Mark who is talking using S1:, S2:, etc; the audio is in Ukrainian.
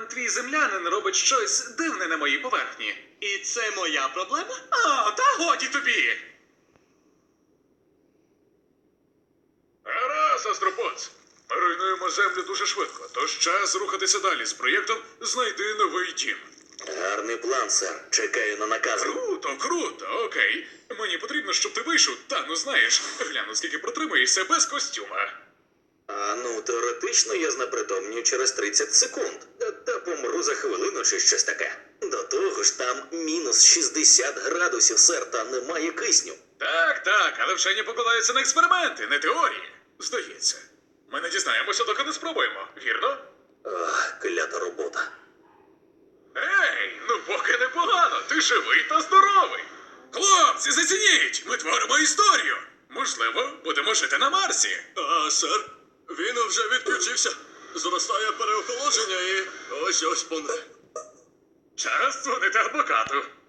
S1: твій землянин робить щось дивне на моїй поверхні.
S2: І це моя проблема?
S1: О, та годі тобі! Гаразд, Астропоц. Ми руйнуємо землю дуже швидко, тож час рухатися далі з проєктом «Знайди новий дім».
S3: Гарний план, сер. Чекаю на накази.
S1: Круто, круто, окей. Мені потрібно, щоб ти вийшов, та, ну знаєш, гляну, скільки протримаєшся без костюма.
S3: Теоретично я знепритомнію через 30 секунд. Та помру за хвилину чи щось таке. До того ж, там мінус 60 градусів, сер, та немає кисню.
S1: Так, але вчені покладаються на експерименти, не теорії. Здається. Ми не дізнаємося, доки не спробуємо, вірно?
S3: Ах, клята робота.
S1: Ей, ну поки непогано, ти живий та здоровий. Хлопці, зацініть, ми творимо історію. Можливо, будемо жити на Марсі.
S2: Сер, він вже відключився. Зростає переохолодження і ось помре.
S1: Час дзвонити адвокату.